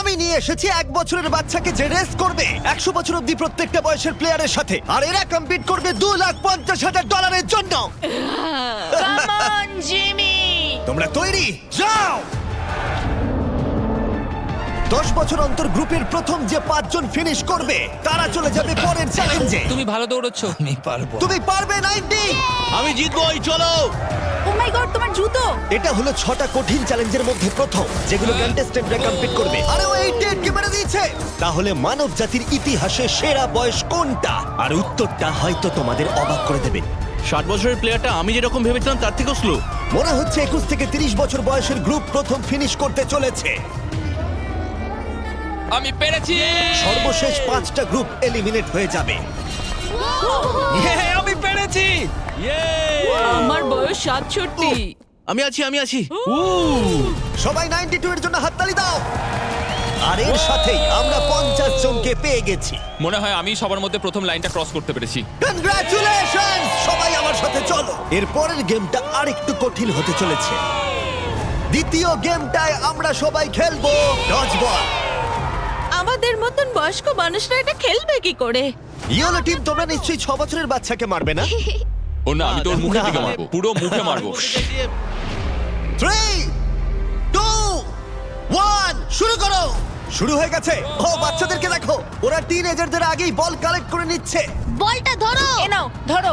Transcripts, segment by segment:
আমি নিয়ে এসেছি 1 বছরের বাচ্চাকে যে রেস করবে 100 বছর অব্দি প্রত্যেকটা বয়সের প্লেয়ারের সাথে, আর এরা কম্পিট করবে $2,50,000 জন্য। Come on Jimmy. তোমরা তৈরি? যাও। 10 বছর অন্তর গ্রুপের প্রথম যে 5 জন ফিনিশ করবে তারা চলে যাবে পরের চ্যালেঞ্জে। তুমি ভালো দৌড়চ্ছ। আমি পারবো। তুমি পারবে 90। আমি জিতবই, চলো। ও মাই গড, তোমার জুতো। এটা হলো 6টা কঠিন চ্যালেঞ্জের মধ্যে প্রথম, যেগুলো কন্টেস্টেন্টরা কমপ্লিট করবে। আরে ও 88 মেরে দিয়েছে। তাহলে মানব জাতির ইতিহাসে সেরা বয়স কোনটা? আর উত্তরটা হয়তো তোমাদের অবাক করে দেবে। 60 বছরের প্লেয়ারটা আমি যেরকম ভেবেছিলাম তার থেকেও স্লো। মনে হচ্ছে 21 থেকে 30 বছর বয়সের গ্রুপ প্রথম ফিনিশ করতে চলেছে। আমি পেরেছি। সর্বশেষ 5টা গ্রুপ এলিমিনেট হয়ে যাবে। আমি পেরেছি। আমার বয়স 67। আমি আছি। সবাই 92 এর জন্য হাততালি দাও। আর এর সাথেই আমরা 50 জনকে পেয়ে গেছি। মনে হয় আমি সবার মধ্যে প্রথম লাইনটা ক্রস করতে পেরেছি। কনগ্রাচুলেশন! সবাই আমার সাথে চলো। এর পরের গেমটা আরেকটু কঠিন হতে চলেছে। দ্বিতীয় গেমটায় আমরা সবাই খেলবো ডজ বল। আমাদের মতন বয়স্ক মানুষরা এটা খেলবে কি করে? ইয়েলো টিম, তোমরা নিশ্চয়ই 6 বছরের বাচ্চাকে মারবে না? ও না, আমি তোর মুখের দিকে না। মারবো, পুরো মুখে মারবো। 3, 2, 1, শুরু করো। শুরু হয়ে গেছে। ও বাচ্চাদেরকে দেখো, ওরা টিনেজারদের আগেই বল কালেক্ট করে নিচ্ছে। বলটা ধরো। এ নাও, ধরো।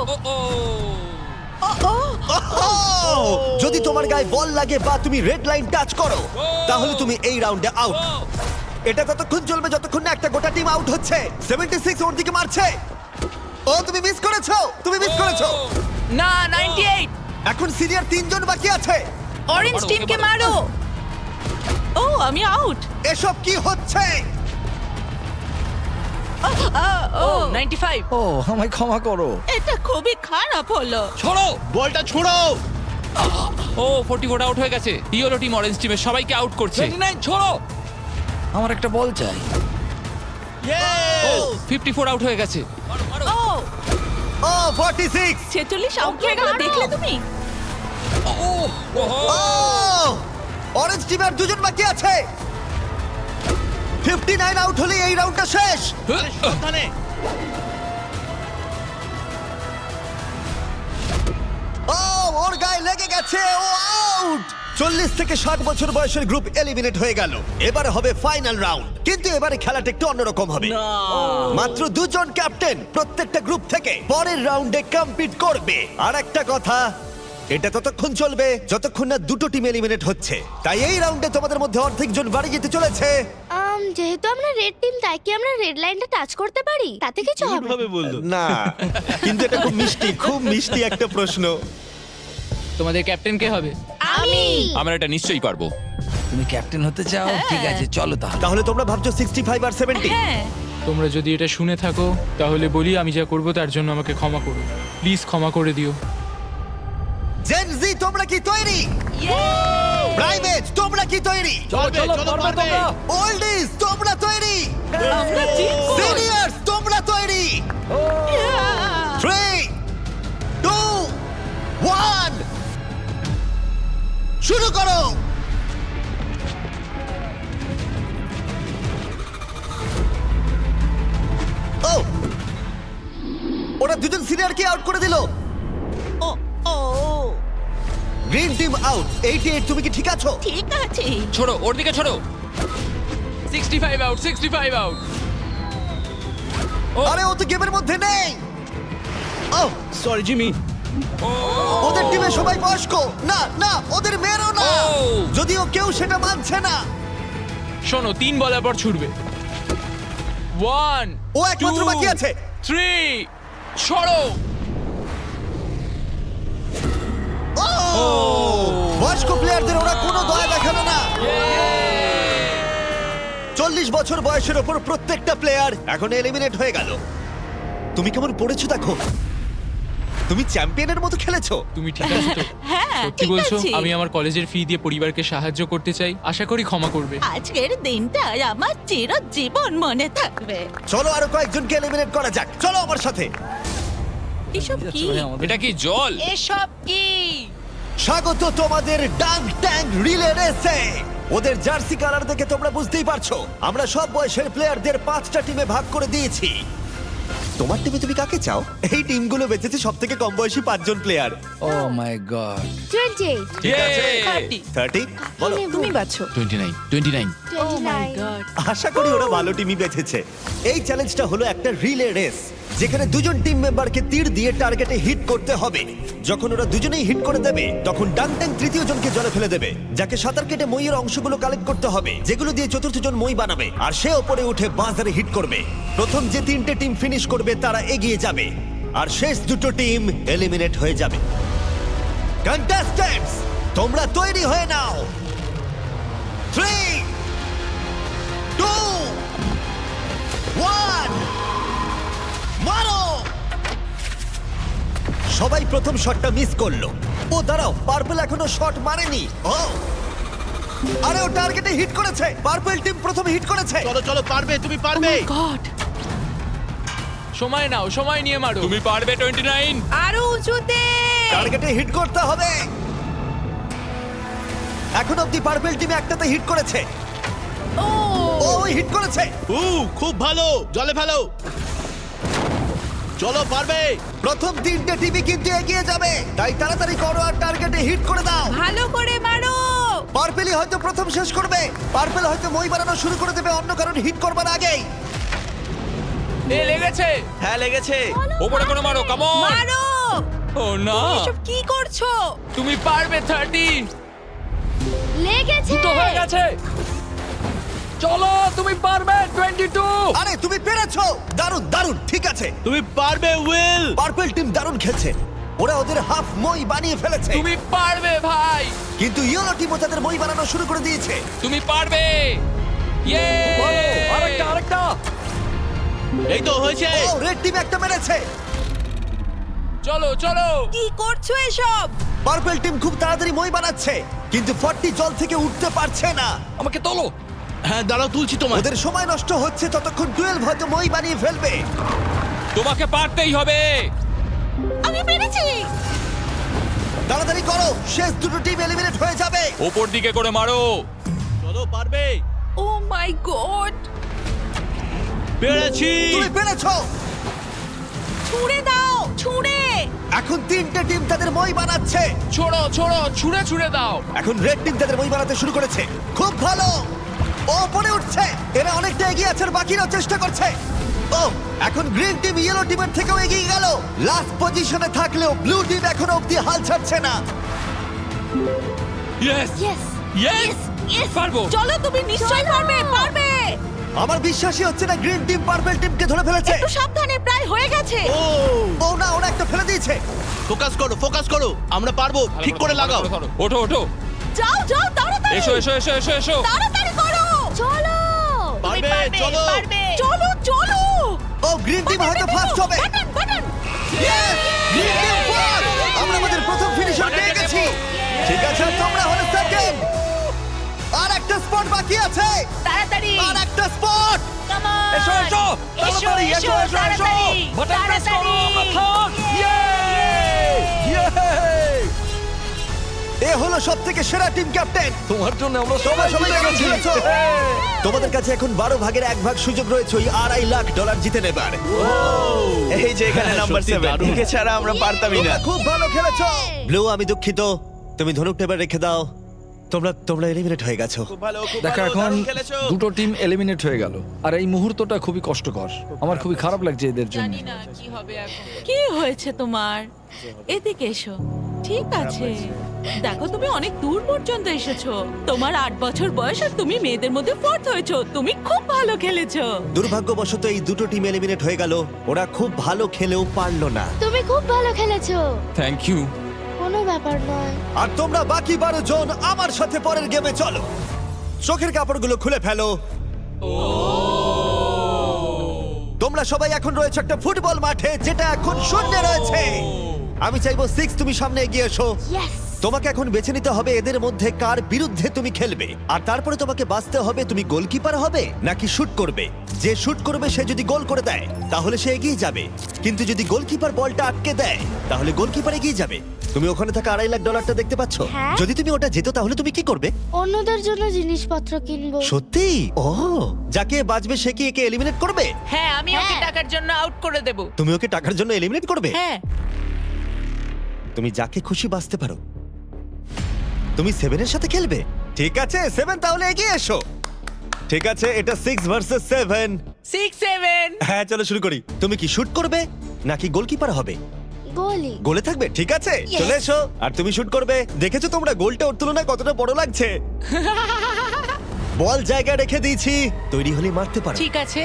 ওহ! যদি তোমার গায়ে বল লাগে বা তুমি রেড লাইন টাচ করো, তাহলে তুমি এই রাউন্ডে আউট। এটা ততক্ষণ চলবে যতক্ষণ না একটা গোটা টিম আউট হচ্ছে। 76 ওর দিকে মারছে। ও তুমি মিস করেছো, তুমি মিস করেছো। না, 98। এখন সিনিয়র 3 জন বাকি আছে। অরেঞ্জ মারো, টিমকে ওকে মারো। ও, আমি আউট। এসব কি হচ্ছে? ও 95। ও আমায় ক্ষমা করো। এটা খুবই খারাপ হলো। ছড়ো। বলটা ছোড়ো। ও 44 আউট হয়ে গেছে। ইয়েলো টিম অরেঞ্জ টিমের সবাইকে আউট করছে। 29 ছোড়ো। আমার একটা বল চাই। ও 54 আউট হয়ে গেছে। ও ও 46। 46 আউট হয়ে গেল, দেখলে তুমি? ও অরেঞ্জ টিমের 2 জন বাকি আছে। 59 আউট হলে এই রাউন্ডটা শেষ। সাবধানে। ও ওর গায়ে লেগে গেছে, ও আউট। 40 থেকে 60 বছর বয়সের গ্রুপ এলিমিনেট হয়ে গেল। এবারে হবে ফাইনাল রাউন্ড, কিন্তু এবারে খেলাটা একটু অন্যরকম হবে। মাত্র 2 জন ক্যাপ্টেন প্রত্যেকটা গ্রুপ থেকে পরের রাউন্ডে কম্পিট করবে। আর একটা কথা, এটা ততক্ষণ চলবে যতক্ষণ না দুটো টিম এলিমিনেট হচ্ছে। তাই এই রাউন্ডে তোমাদের মধ্যে অর্ধেক জন বাড়ি যেতে চলেছে। যেহেতু আমরা রেড টিম, তাই কি আমরা রেড লাইনটা টাচ করতে পারি? তাতে কিছু হবে না। বললো। না, কিন্তু এটা খুব মিষ্টি, খুব মিষ্টি একটা প্রশ্ন। তোমাদের ক্যাপ্টেন কে হবে? আমি আমরা এটা নিশ্চয়ই পারবো। তুমি ক্যাপ্টেন হতে চাও? ঠিক আছে, চলো তাহলে। তাহলে তোমরা ভাবছো 65 আর 70? হ্যাঁ। তোমরা যদি এটা শুনে থাকো তাহলে বলি আমি যা করব তার জন্য আমাকে ক্ষমা করো, প্লিজ ক্ষমা করে দিও। জেন জি, তোমরা কি তৈরি? প্রাইভেট, তোমরা কি তৈরি? চলো পারবে। ওল্ডিজ, তোমরা তৈরি? আমরা জিতবো। সিনিয়র্স, তোমরা তৈরি? 3, 2, 1, শুরু করো। ও ওরা 2 জন সিনিয়রকে আউট করে দিল। Oh oh green team out. 88, তুমি কি ঠিক আছো? ঠিক আছে। ছোড়ো, ওর দিকে ছোড়ো। 65 আউট, 65 আউট। আরে ও তো গেমের মধ্যে নেই। Oh sorry Jimmy. ওদের টিমে সবাই বয়স্ক। না না, ওদের মেয়েরও না। ও। যদিও কেউ সেটা মানছে না। শোনো, 3 বলার পর ছুটবে। 1 ও একমাত্র বাকি আছে। 3 ছড়ো। ও বয়স্ক প্লেয়ারদের ওরা কোনো দয়া দেখালো না। 40 বছর বয়সের ওপর প্রত্যেকটা প্লেয়ার এখন এলিমিনেট হয়ে গেল। তুমি কেমন পড়েছো দেখো। তুমি চ্যাম্পিয়নের মতো খেলেছো। তুমি ঠিক আছো তো? হ্যাঁ, সত্যি ঠিক বলছো? আছি। আমি আমার কলেজের ফি দিয়ে পরিবারকে সাহায্য করতে চাই, আশা করি ক্ষমা করবে। আজকের দিনটা আমার চিরজীবন মনে থাকবে। চলো আরো কয়েকজনকে এলিমিনেট করা যাক। চলো আমার সাথে। এসব কি? এটা কি জল? এসব কি? স্বাগত তোমাদের ডাঙ্ক ট্যাঙ্ক রিলে রেসে। ওদের জার্সি কালার দেখে তোমরা বুঝতেই পারছো আমরা সব বয়সের প্লেয়ারদের 5টা টিমে ভাগ করে দিয়েছি। তোমার টিমে তুমি কাকে চাও? এই টিমগুলো বেঁচেছে সব থেকে কম বয়সী 5জন player. Oh my god. 28, Yay! 30 বলো। তুমি বাছো 29 29 29। আশা করি ওরা ভালো টিমই বেঁচেছে। এই চ্যালেঞ্জটা হলো একটা রিলে রেস, যেখানে দুজন টিম মেম্বারকে তীর দিয়ে টার্গেটে হিট করতে হবে। যখন ওরা দুজনেই হিট করে দেবে তখন ডাংট্যাং তৃতীয় জনকে জলে ফেলে দেবে, যাকে সাঁতার কেটে মইয়ের অংশগুলো কালেক্ট করতে হবে, যেগুলো দিয়ে চতুর্থ জন মই বানাবে, আর সে ওপরে উঠে বাজারে হিট করবে। প্রথম যে 3টে টিম ফিনিশ করবে তারা এগিয়ে যাবে, আর শেষ দুটো টিম এলিমিনেট হয়ে যাবে। কন্টেস্ট্যান্টস, তোমরা তৈরি হয়ে নাও। 3 2 1 মারো! সবাই প্রথম শটটা মিস করলো। ও দাঁড়াও, পার্পল এখনো শট মারেনি। ও আরে ও টার্গেটে হিট করেছে। পার্পল টিম প্রথম হিট করেছে। চলো চলো, পারবে, তুমি পারবে। গড, সময় নাও, সময় নিয়ে মারো। তুমি পারবে 29। আরো উঁচুতে। টার্গেটে হিট করতে হবে। এখন অব্দি পার্পল টিম একটাতে হিট করেছে। ও ও হিট করেছে। খুব ভালো, জলে ফেলো। চলো, পারবে। প্রথম 3টে টিমই কিন্তু এগিয়ে যাবে, তাই তাড়াতাড়ি করো আর টার্গেটে হিট করে দাও। ভালো করে মারো। পার্পেলই হয়তো প্রথম শেষ করবে। পার্পেল হয়তো মই বানানো শুরু করে দেবে অন্য কারণ হিট করবার আগেই। এ লেগেছে। হ্যাঁ, লেগেছে। ওপরে করে মারো, কাম অন। মারো। ও না, এসব কি করছো? তুমি পারবে 30। লেগেছে। দুটো হয়ে গেছে। চলো, তুমি পারবে 22। আরে তুমি পেরেছো, দারুণ দারুণ। ঠিক আছে, তুমি পারবে, উইল। পার্পল টিম দারুণ খেলছে। ওরা ওদের হাফ মই বানিয়ে ফেলেছে, তুমি পারবে ভাই। কিন্তু ইয়েলো টিমও তাদের মই বানানো শুরু করে দিয়েছে। তুমি পারবে। ইয়ে! আরেকটা। এই তো হয়েছে। ও রেড টিম একটা মেরেছে। চলো চলো। কি করছো এসব? পার্পল টিম খুব তাড়াতাড়ি মই বানাচ্ছে, কিন্তু 40 জল থেকে উঠতে পারছে না। আমাকে তোলো। হ্যাঁ, দাঁড়াও, তুলছি তোমার। ওদের সময় নষ্ট হচ্ছে, ততক্ষণ 12 হয়তো মই বানিয়ে ফেলবে। তোমাকে পারতেই হবে। আমি পেরেছি। তাড়াতাড়ি করো, শেষ দুটো টিম এলিমিনেট হয়ে যাবে। ওপর দিকে করে মারো। চলো, পারবে। ও মাই গড, পেরেছি। তুমি পেরেছো। ছুঁড়ে দাও, ছুঁড়ে। এখন 3টে টিম তাদের মই বানাচ্ছে। ছোড়ো ছোড়ো, ছুঁড়ে ছুঁড়ে দাও। এখন রেড টিম তাদের মই বানাতে শুরু করেছে। খুব ভালো, ও পরে উঠছে। এরা অনেকটা এগিয়ে আছে, আর বাকিরাও চেষ্টা করছে। ও এখন গ্রিন টিম ইয়েলো টিমের থেকেও এগিয়ে গেল। লাস্ট পজিশনে থাকলেও ব্লু টিম এখনো অব্দি হাল ছাড়ছে না। Yes yes. ইয়েস, পারবো। চলো, তুমি নিশ্চয়ই পারবে, পারবে। আমার বিশ্বাসই হচ্ছে না গ্রিন টিম পার্পল টিমকে ধরে ফেলেছে। একটু সাবধানে, প্রায় হয়ে গেছে। ও না, ওরা একটা ফেলে দিয়েছে। ফোকাস করো, ফোকাস করো। আমরা পারবো, ঠিক করে লাগাও। ওঠো ওঠো। যাও যাও, তাড়াতাড়ি। এসো এসো এসো এসো এসো। তাড়াতাড়ি করো। চলো। পারবে, চলো। চলো চলো। ও গ্রিন টিম হয়তো ফার্স্ট হবে। Button button. Yes! Green team first. আমরা আমাদের প্রথম ফিনিশার পেয়ে গেছি। ঠিক আছে, তোমরা হলে সেকেন্ড। আর একটা স্পট বাকি আছে। তাড়াতাড়ি। আর একটা স্পট। Come on. এসো এসো। এসো তাড়াতাড়ি, এসো এসো। তাড়াতাড়ি। বাটন প্রেস করো, আমরা থাম। ইয়ে! এ হলো সবথেকে সেরা টিম ক্যাপ্টেন। তোমার জন্য আমরা তোমরা সবাই কেমন খেলেছো? তোমাদের কাছে এখন 12 ভাগের 1 ভাগ সুযোগ রয়েছে ওই $2.5 লাখ জিতে নেবার। এই যে এখানে নাম্বার সত্যি 7 দারুণ। একে ছাড়া আমরা পারতামই না। তোমরা খুব ভালো খেলেছো। ব্লু, আমি দুঃখিত, তুমি ধনুকটা এবার রেখে দাও। তোমরা এলিমিনেট হয়ে গেছো। খুব ভালো, খুব দেখো ভালো, এখন দারুণ খেলেছো। দুটো টিম এলিমিনেট হয়ে গেল আর এই মুহূর্তটা খুবই কষ্টকর। আমার খুবই খারাপ লাগছে এদের জন্য। জানি না কি হবে এখন। কি হয়েছে তোমার? এদিকে এসো। ঠিক আছে, দেখো তুমি অনেক দূর পর্যন্ত এসেছো। তোমার 8 বছর বয়স আর তুমি মেয়েদের মধ্যে ফোর্থ হয়েছো। তুমি খুব ভালো খেলেছো। দুর্ভাগ্যবশত এই দুটো টিম এলিমিনেট হয়ে গেল। ওরা খুব ভালো খেলেও পারলো না। তুমি খুব ভালো খেলেছো। Thank you. কোনো ব্যাপার নয়। আর তোমরা বাকি 12 জন আমার সাথে পরের গেমে চলো। চোখের কাপড়গুলো খুলে ফেলো। তোমরা সবাই এখন রয়েছে একটা ফুটবল মাঠে, যেটা এখন শূন্য রয়েছে। আমি চাইবো 6 তুমি সামনে এগিয়ে এসো। ইয়েস। তোমাকে এখন বেছে নিতে হবে এদের মধ্যে কার বিরুদ্ধে তুমি খেলবে, আর তারপরে তোমাকে বাছতে হবে তুমি গোলকিপার হবে নাকি শুট করবে। যে শুট করবে সে যদি গোল করে দেয় তাহলে সে এগিয়ে যাবে, কিন্তু যদি গোলকিপার বলটা আটকে দেয় তাহলে গোলকিপার এগিয়ে যাবে। তুমি ওখানে থাকা $2.5 লাখ দেখতে পাচ্ছ? হ্যাঁ। যদি তুমি ওটা যেত তাহলে তুমি কি করবে? অন্যদের জন্য জিনিসপত্র কিনবো। সত্যি? ও, যাকে বাঁচবে সে কি একে এলিমিনেট করবে? হ্যাঁ, আমি ওকে টাকার জন্য আউট করে দেব। তুমি ওকে টাকার জন্য এলিমিনেট করবে? হ্যাঁ। তুমি যাকে খুশি বাঁচতে পারো। তুমি 7 এর সাথে খেলবে? ঠিক আছে 7, তাহলে এগিয়ে এসো। ঠিক আছে, এটা 6 ভার্সেস 7। 6 7। হ্যাঁ, চলো শুরু করি। তুমি কি শুট করবে নাকি গোলকিপার হবে? গোলি। গোলে থাকবে? ঠিক আছে, চলে এসো। আর তুমি শুট করবে। দেখেছো তোমরা গোলটা ওর তুলনায় কতটা বড় লাগছে? বল জায়গায় রেখে দিয়েছি, তৈরি হলে মারতে পারো। ঠিক আছে।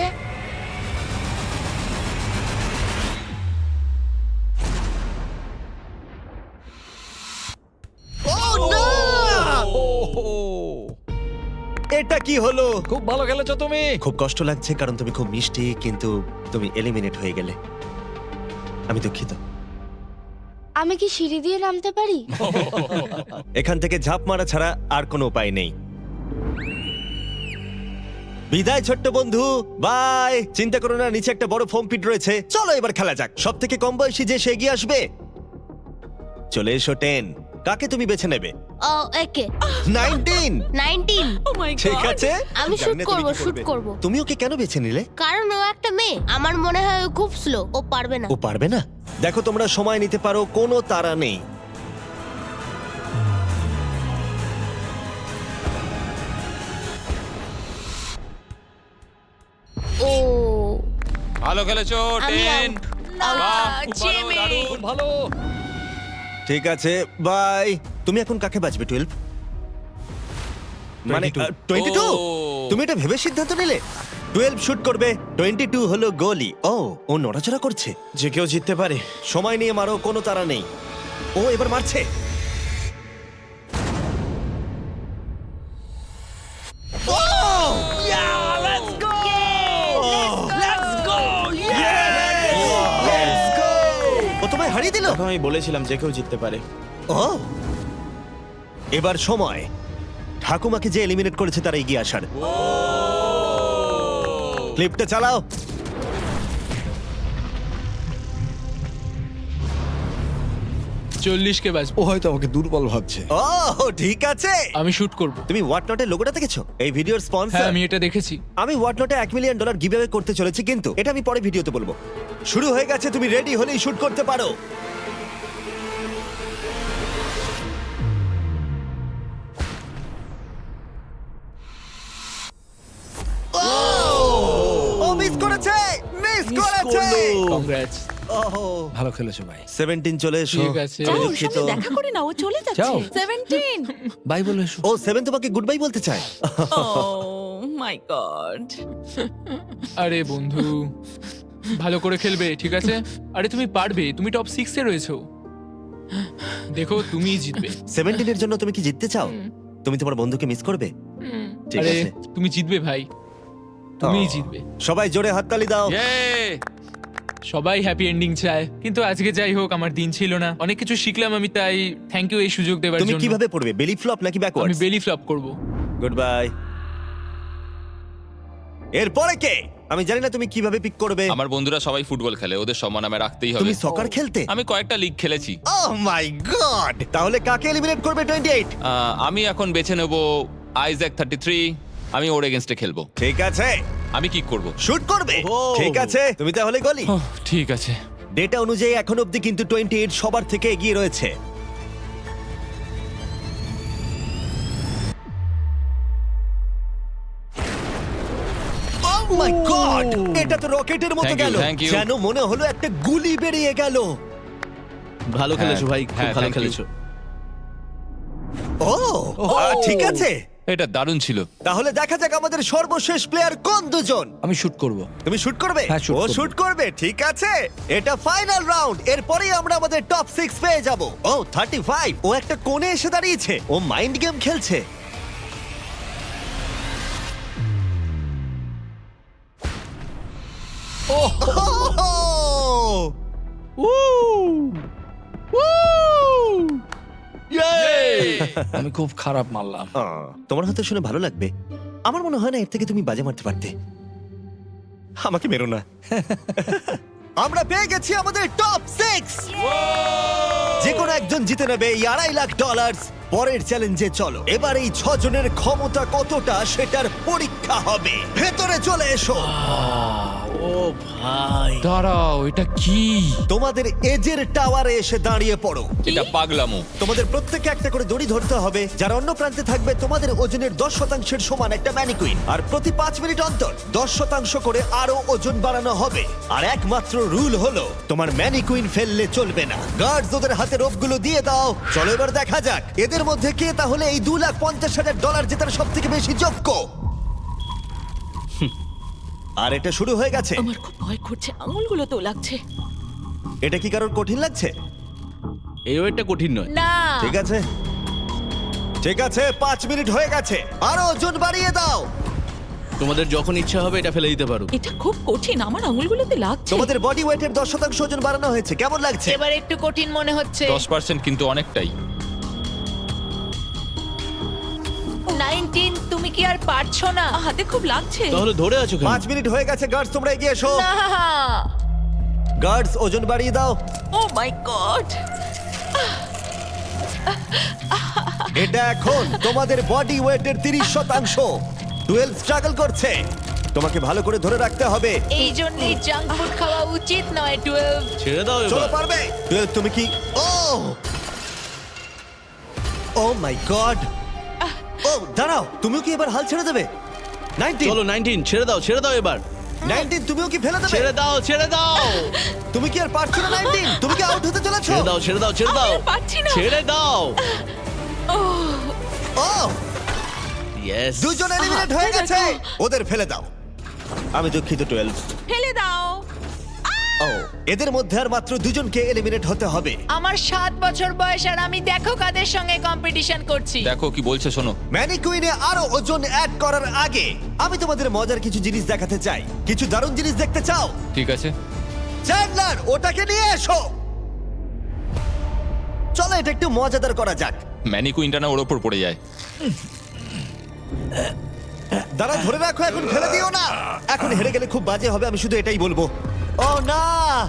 এটা কি হলো? খুব ভালো খেলেছো তুমি। খুব কষ্ট লাগছে কারণ তুমি খুব মিষ্টি, কিন্তু তুমি এলিমিনেট হয়ে গেলে। আমি দুঃখিত। আমি কি সিঁড়ি দিয়ে নামতে পারি? এখান থেকে ঝাঁপ মারা ছাড়া আর কোনো উপায় নেই। বিদায় ছোট্ট বন্ধু, বাই। চিন্তা করো না, নিচে একটা বড় ফোম পিট রয়েছে। চলো এবার খেলা যাক। সব থেকে কম বয়সী যে সে এগিয়ে আসবে। চলে এসো 10। কাকে তুমি বেছে নেবে? ও একে 19। 19। Oh my god. ঠিক আছে, আমি জানি শুট না তুমি করব, কি শুট করবে। করব। তুমি ওকে কেন বেছে নিলে? কারণ ও একটা মেয়ে, আমার মনে হয় ও খুব স্লো, ও পারবে না। ও পারবে না? দেখো তোমরা সময় নিতে পারো, কোনো তাড়া নেই। ও ভালো খেলেছো আমি 10। out. বাহ, খুব ভালো, জিমি। দারুণ। ভালো। ঠিক আছে, বাই। তুমি এখন কাকে বাঁচবে? 12 মানে 22? ও। তুমি এটা ভেবে সিদ্ধান্ত নিলে? 12 শুট করবে, 22 হলো গোলি। ও নড়াচড়া করছে। যে কেউ জিততে পারে। সময় নিয়ে মারো, কোনো তাড়া নেই। ও এবার মারছে। ও তোমায় হারিয়ে দিল। দেখো, আমি বলেছিলাম যে কেউ জিততে পারে। ও, এবার সময় ঠাকুমাকে যে এলিমিনেট করেছে তারা এগিয়ে আসার। ক্লিপটা চালাও। কে বাঁচবো। ও হয়তো আমাকে দুর্বল ভাবছে। ও ঠিক আছে। আমি শুট করব। তুমি হোয়াটনটের লোগোটা দেখেছো? এই ভিডিওর হ্যাঁ, স্পন্সর। আমি এটা দেখেছি। আমি হোয়াটনটে $1 মিলিয়ন গিভঅ্যাওয়ে করতে চলেছি, কিন্তু এটা আমি পরে ভিডিওতে বলবো। শুরু হয়ে গেছে, তুমি রেডি হলেই শুট করতে পারো। ও মিস করেছে, মিস করেছে। কংগ্রাটস। ওহো, ভালো খেলেছো ভাই। 17 চলে এসো। ঠিক আছে। যাও, আমি ওর দুঃখিত। সাথে দেখা করে না, ও চলে যাচ্ছে। যাও। 17। বাই বলে এসো। ও 7 তোমাকে গুড বাই বলতে চায়। Oh my god. আরে বন্ধু, ভালো করে খেলবে, ঠিক আছে? আরে তুমি পারবে, তুমি টপ 6 এ রয়েছো। দেখো, তুমিই জিতবে। 17 এর জন্য তুমি কি জিততে চাও? তুমি তোমার বন্ধুকে মিস করবে? ঠিক আরে আছে, তুমি জিতবে ভাই, তুমিই জিতবে। সবাই জোরে হাততালি দাও। ইয়ে! সবাই হ্যাপি এন্ডিং চায়, কিন্তু আজকে যাই হোক, আমার দিন ছিল না। অনেক কিছু শিখলাম আমি, তাই থ্যাংক ইউ এই সুযোগ দেওয়ার তুমি জন্য। কিভাবে পড়বে, বেলি ফ্লপ নাকি আমি ব্যাকওয়ার্ডস? বেলি ফ্লপ করব। Good bye. এরপরে কে? আমি জানি না তুমি কিভাবে পিক করবে। আমার বন্ধুরা সবাই ফুটবল খেলে, ওদের সম্মান আমি রাখতেই হবে। তুমি সকার খেলতে? আমি কয়েকটা লিগ খেলেছি। Oh my god! তাহলে কাকে এলিমিনেট করবে 28? আমি এখন বেছে নেব আইজ্যাক 33। আমি ওর এগেনস্টে খেলবো। ঠিক আছে, আমি কি করব? শুট করবে। ও। ঠিক আছে, তুমি তাহলে গলি। ঠিক আছে। ডেটা অনুযায়ী এখন অবধি কিন্তু 28 সবার থেকে এগিয়ে রয়েছে। Oh my God! এটা তো রকেটের মতো Thank you, গেল, thank you. যেন মনে হলো একটা গুলি বেরিয়ে গেল। ভালো খেলেছো ভাই, খুব হ্যাঁ, ভালো thank you. খেলেছো। ও ঠিক আছে, এটা দারুণ ছিল। তাহলে দেখা যাক আমাদের সর্বশেষ প্লেয়ার কোন দুজন। আমি শুট করব। তুমি শুট করবে? হ্যাঁ, shoot ও করবো। শুট করবে, ঠিক আছে। এটা ফাইনাল রাউন্ড, এরপরেই আমরা আমাদের টপ 6 পেয়ে যাব। ও 35, ও একটা কোণে এসে দাঁড়িয়েছে, ও মাইন্ড গেম খেলছে। আমি খুব খারাপ মারলাম। তোমার হয়তো শুনে ভালো লাগবে, আমার মনে হয় না এর থেকে তুমি বাজে মারতে পারতে। আমাকে মেরো না। আমরা পেয়ে গেছি আমাদের টপ 6। যে কোনো একজন জিতে নেবে এই $2.5 লাখ। পরের চ্যালেঞ্জে চলো, এবার এই 6 জনের ক্ষমতা কতটা সেটার পরীক্ষা হবে। ভেতরে চলে এসো। ও ভাই, দাঁড়াও, এটা কি? তোমাদের এজের টাওয়ারে এসে দাঁড়িয়ে পড়ো। এটা পাগলামো। তোমাদের প্রত্যেককে একটা করে দড়ি ধরতে হবে, যার অন্য প্রান্তে থাকবে তোমাদের ওজনের 10%-এর সমান একটা ম্যানিকুইন। আর প্রতি 5 মিনিট অন্তর 10% করে আরো ওজন বাড়ানো হবে। আর একমাত্র রুল হলো তোমার ম্যানিকুইন ফেললে চলবে না। গার্ডস ওদের হাতে রোপগুলো দিয়ে দাও। চলো এবার দেখা যাক এদের মধ্যে কে তাহলে এই $2,50,000 জেতার সব থেকে বেশি যোগ্য। আর এটা শুরু হয়ে গেছে। আমার খুব ভয় করছে, আঙুলগুলো তো লাগছে। এটা কি কারোর কঠিন লাগছে? এই ওয়েটটা কঠিন নয়। না, ঠিক আছে, ঠিক আছে, 5 মিনিট হয়ে গেছে। আরো ওজন বাড়িয়ে দাও। তোমাদের যখন ইচ্ছা হবে এটা ফেলে দিতে পারো। এটা খুব কঠিন, আমার আঙুলগুলোতে লাগছে। তোমাদের বডি ওয়েটের 10% ওজন বাড়ানো হয়েছে, কেমন লাগছে? এবার একটু কঠিন মনে হচ্ছে। 10% কিন্তু অনেকটাই। 19, তুমি কি আর পারছো না? হাতে খুব লাগছে। তাহলে ধরে আছো কেন? 5 মিনিট হয়ে গেছে। গার্ডস তোমরা এগিয়ে এসো। না, গার্ডস ওজন বাড়িয়ে দাও। ও মাই গড, এটা এখন তোমাদের বডি ওয়েটের 30%। 12 স্ট্রাগল করছে, তোমাকে ভালো করে ধরে রাখতে হবে। এই জন্যই জাঙ্ক ফুড খাওয়া উচিত নয়। 12। ছেড়ে দাও চলো এবার। পারবে। 12 তুমি কি? ও মাই গড। ও দাঁড়াও, তুমিও কি এবার হাল ছেড়ে দেবে? 19 চলো 19, ছেড়ে দাও, ছেড়ে দাও এবার। 19 তুমিও কি ফেলে দেবে? ছেড়ে দাও, ছেড়ে দাও। তুমি কি আর পারছো না? 19 তুমি কি আউট হতে চলেছো? ছেড়ে দাও, ছেড়ে দাও, ছেড়ে দাও। আমি আর পারছি না। ছেড়ে দাও। ও ইয়েস। দুজন এলিমিনেট হয়ে গেছে। ওদের ফেলে দাও। আমি দুঃখিত 12। ফেলে দাও। ও এদের মধ্যে আর মাত্র দুজনকে এলিমিনেট হতে হবে। আমার 7 বছর বয়স আর আমি দেখো কাদের সঙ্গে কম্পিটিশন করছি। দেখো কি বলছে, শোনো। ম্যানিকুইনে আরো ওজন অ্যাড করার আগে আমি তোমাদের মজার কিছু জিনিস দেখাতে চাই। কিছু দারুণ জিনিস দেখতে চাও? ঠিক আছে। চ্যান্ডলার ওটাকে নিয়ে এসো। চলো এটা একটু মজাদার করা যাক। ম্যানিকুইনটা না ওর ওপর পড়ে যায়। দাঁড়া, ধরে রাখো, এখন ফেলে দিও না। এখন হেরে গেলে খুব বাজে হবে, আমি শুধু এটাই বলবো। ও না,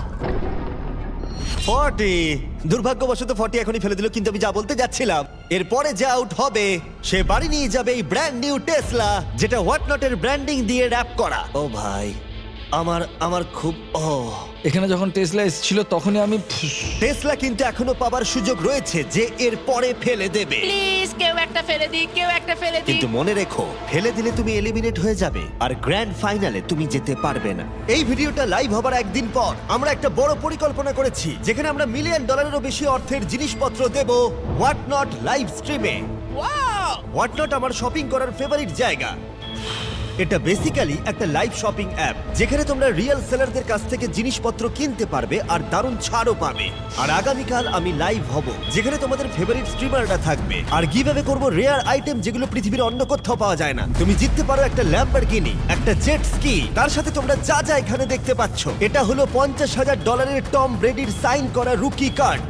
40। দুর্ভাগ্যবশত 40 এখনই ফেলে দিল, কিন্তু আমি যা বলতে যাচ্ছিলাম, এরপরে যে আউট হবে সে বাড়ি নিয়ে যাবে এই ব্র্যান্ড নিউ টেসলা, যেটা হোয়াটনটের ব্র্যান্ডিং দিয়ে র‍্যাপ করা। ও ভাই, আমার খুব এখানে যখন টেসলা এসেছিল তখনই আমি টেসলা কিন্তু এখনো পাবার সুযোগ রয়েছে যে এর পরে ফেলে দেবে। প্লিজ কেউ একটা ফেলে দিই, কেউ একটা ফেলে দিই। কিন্তু মনে রেখো, ফেলে দিলে তুমি এলিমিনেট হয়ে যাবে আর গ্র্যান্ড ফাইনালে তুমি যেতে পারবে না। এই ভিডিওটা লাইভ হবার একদিন পর আমরা একটা বড় পরিকল্পনা করেছি, যেখানে আমরা $1 মিলিয়নেরও বেশি অর্থের জিনিসপত্র দেব হোয়াট নট লাইভ স্ট্রিমে। হোয়াট নট আমার শপিং করার ফেভারিট জায়গা। এটা বেসিক্যালি একটা লাইভ শপিং অ্যাপ, যেখানে তোমরা রিয়েল সেলারদের কাছ থেকে জিনিসপত্র কিনতে পারবে আর দারুণ ছাড়ও পাবে। আর আগামীকাল আমি লাইভ হব, যেখানে তোমাদের ফেভারিট স্ট্রিমাররা থাকবে আর গিভঅ্যাওয়ে করব রেয়ার আইটেম, যেগুলো পৃথিবীর অন্য কোথাও পাওয়া যায় না। তুমি জিততে পারো একটা ল্যাম্বরগিনি, একটা জেট স্কি, তার সাথে তোমরা যা যা এখানে দেখতে পাচ্ছ। এটা হলো $50,000 টম ব্রেডির সাইন করা রুকি কার্ড।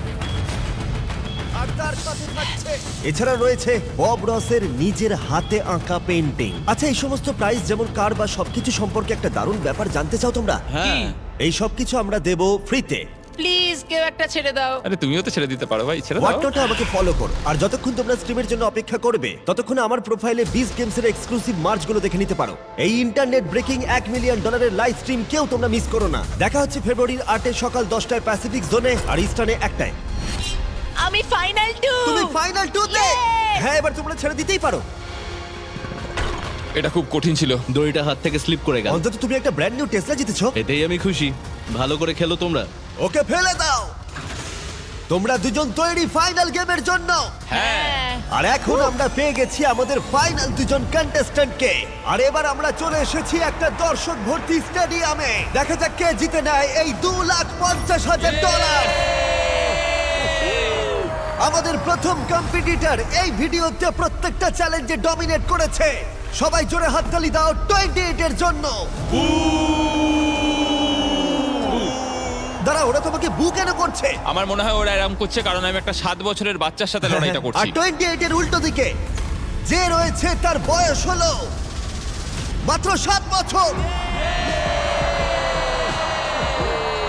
আর তার সাথে থাকছে, এছাড়া রয়েছে বব রসের নিজের হাতে আঁকা পেইন্টিং। আচ্ছা, এই সমস্ত প্রাইস যেমন কার বা সবকিছু সম্পর্কে একটা দারুণ ব্যাপার জানতে চাও তোমরা? হ্যাঁ। এই সবকিছু আমরা দেব ফ্রিতে। প্লিজ কেউ একটা ছেড়ে দাও। আরে তুমিও তো ছেড়ে দিতে পারো ভাই, ছেড়ে দাও। হোয়াটনটে আমাকে ফলো করো, আর যতক্ষণ তোমরা স্ট্রিমের জন্য অপেক্ষা করবে ততক্ষণ আমার প্রোফাইলে বিস্ট গেমসের এক্সক্লুসিভ মার্চগুলো দেখে নিতে পারো। এই internet breaking $1 million live stream কেউ তোমরা মিস করো না। দেখা হচ্ছে ফেব্রুয়ারির 8 সকাল 10টায় প্যাসিফিক জোনে আর ইস্টার্নে 1টায়। আমি ফাইনাল 2। তুমি ফাইনাল 2 তে? Yay! হ্যাঁ, এবার তোমরা ছেড়ে দিতেই পারো। এটা খুব কঠিন ছিল। দড়িটা হাত থেকে স্লিপ করে গেল। অন্তত তুমি একটা ব্র্যান্ড নিউ টেসলা জিতেছো। এতেই আমি খুশি। ভালো করে খেলো তোমরা। ওকে ফেলে দাও। তোমরা দুজন তৈরি ফাইনাল গেমের জন্য? হ্যাঁ। আর এখন আমরা পেয়ে গেছি আমাদের ফাইনাল দুজন কন্টেস্ট্যান্টকে। আর এবার আমরা চলে এসেছি একটা দর্শক ভর্তি স্টেডিয়ামে। দেখা যাক কে জিতে নেয় এই $2,50,000। আমাদের প্রথম কম্পিটিটর এই ভিডিওতে প্রত্যেকটা চ্যালেঞ্জে ডমিনেট করেছে। সবাই জোরে হাততালি দাও 28 এর জন্য। দাঁড়া, ওরা তোমাকে বু কেন করছে? আমার মনে হয় ওরা এরকম করছে কারণ আমি একটা 7 বছরের বাচ্চার সাথে লড়াইটা আর করছি। 28 এর উল্টো দিকে যে রয়েছে তার বয়স হলো মাত্র 7 বছর।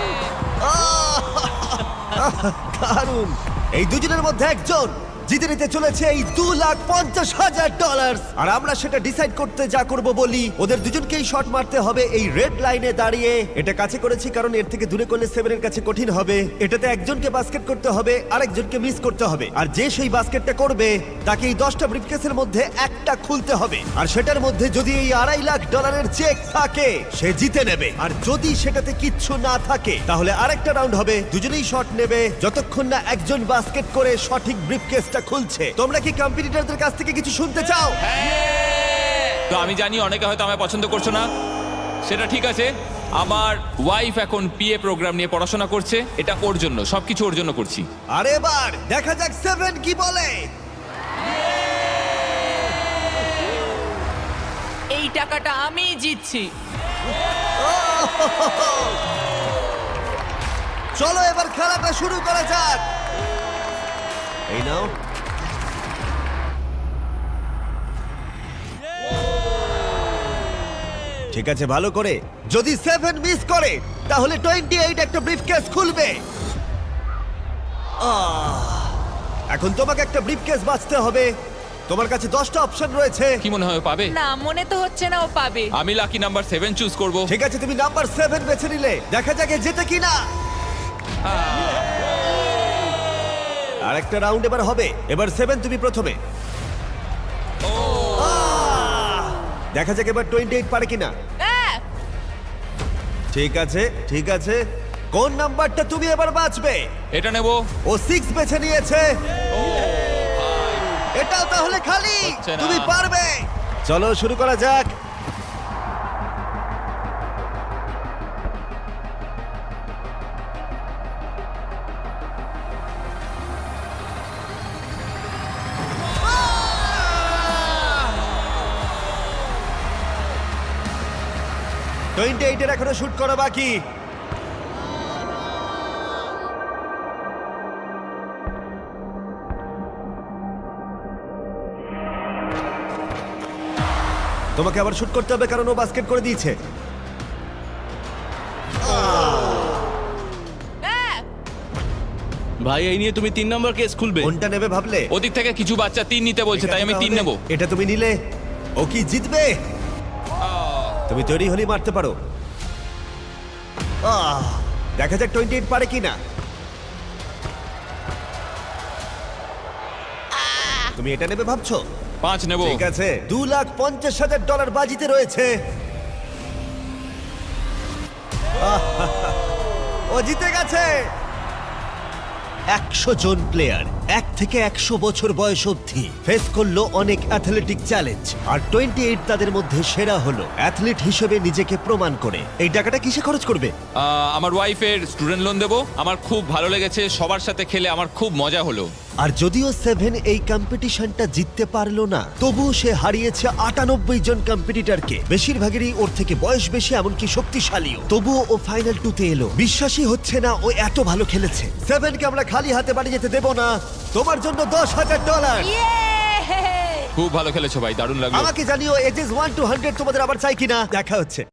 দারুণ। এই দুজনের মধ্যে একজন জিতে নিতে চলেছে এই $2,50,000। আর আমরা সেটা ডিসাইড করতে যা করব বলি, ওদের দুজনকেই শট মারতে হবে এই রেড লাইনে দাঁড়িয়ে। এটা কাছে করেছি কারণ এর থেকে দূরে করলে সেভেনের কাছে কঠিন হবে। এটাতে একজনকে বাস্কেট করতে হবে, আরেকজনকে মিস করতে হবে। আর যে সেই বাস্কেটটা করবে তাকে এই 10টা ব্রিফকেসের মধ্যে একটা খুলতে হবে। আর সেটার মধ্যে যদি এই $2.5 লাখ চেক থাকে সে জিতে নেবে। আর যদি সেটাতে কিচ্ছু না থাকে তাহলে আরেকটা রাউন্ড হবে, দুজনেই শট নেবে যতক্ষণ না একজন বাস্কেট করে সঠিক ব্রিফকেসটা খুলছে। তোমরা কি কম্পিটিটরদের কাছ থেকে কিছু শুনতে চাও? তো আমি জানি অনেকে হয়তো আমায় পছন্দ করছো না, সেটা ঠিক আছে। আমার ওয়াইফ এখন পিএ প্রোগ্রাম নিয়ে পড়াশোনা করছে, এটা ওর জন্য, সবকিছু ওর জন্য করছি। আর এবার দেখা যাক সেভেন কি বলে। এই টাকাটা আমি জিতছি। চলো এবার খেলাটা শুরু করা যাক। এই নাও। ঠিক আছে, ভালো করে। যদি 7 মিস করে তাহলে 28 একটা ব্রিফকেস খুলবে। এখন তোমাকে একটা ব্রিফকেস বাঁচতে হবে। তোমার কাছে 10টা অপশন রয়েছে। কি মনে হয় ও পাবে? না, মনে তো হচ্ছে না ও পাবে। আমি লাকি নাম্বার 7 চুজ করব। ঠিক আছে, তুমি নাম্বার 7 বেছে নিলে। দেখা যাক এ জেতে কিনা। আর একটা রাউন্ড এবার হবে। এবার 7 তুমি প্রথমে। দেখা যাক এবার 28 পারে কিনা। আহ! ঠিক আছে, ঠিক আছে। কোন নাম্বারটা তুমি এবার বাঁচবে? এটা নেব। ও 6 বেছে নিয়েছে। এটাও তাহলে খালি। হচ্ছে না। তুমি পারবে। চলো শুরু করা যাক। টোয়েন্টি এইটের এখনো শুট করা বাকি। তোমাকে আবার শুট করতে হবে কারণ ও বাস্কেট করে দিয়েছে। ভাই এই নিয়ে তুমি 3 নম্বর কেস খুলবে? কোনটা নেবে ভাবলে? ওদিক থেকে কিছু বাচ্চা 3 নিতে বলছে, তাই আমি 3 নেব। এটা তুমি নিলে। ও কি জিতবে? তুমি তৈরি হলেই মারতে পারো। দেখা যাক 28 পারে কিনা। তুমি এটা নেবে ভাবছো? 5 নেব। ঠিক আছে, $2,50,000 বাজিতে রয়েছে। ও জিতে গেছে। 100 জন প্লেয়ার 1 থেকে 100 বছর বয়স অবধি ফেস করলো অনেক অ্যাথলেটিক চ্যালেঞ্জ। আর 28 তাদের মধ্যে সেরা হলো অ্যাথলিট হিসেবে নিজেকে প্রমাণ করে। এই টাকাটা কিসে খরচ করবে? আমার ওয়াইফের স্টুডেন্ট লোন দেব। আমার খুব ভালো লেগেছে, সবার সাথে খেলে আমার খুব মজা হলো। আর যদিও 7 এই কম্পিটিশনটা জিততে পারলো না, তবুও সে হারিয়েছে 98 জন কম্পিটিটরকে। বেশিরভাগেরই ওর থেকে বয়স বেশি, এমনকি শক্তিশালীও। তবুও ও ফাইনাল 2-তে এলো। বিশ্বাসই হচ্ছে না ও এত ভালো খেলেছে। 7কে আমরা খালি হাতে বাড়ি যেতে দেব না। তোমার জন্য $10,000। ইয়ে! খুব ভালো খেলেছো ভাই, দারুণ লাগলো। আমাকে জানিও এজেস 1 to 100 তোমাদের আবার চাই কিনা। দেখা হচ্ছে।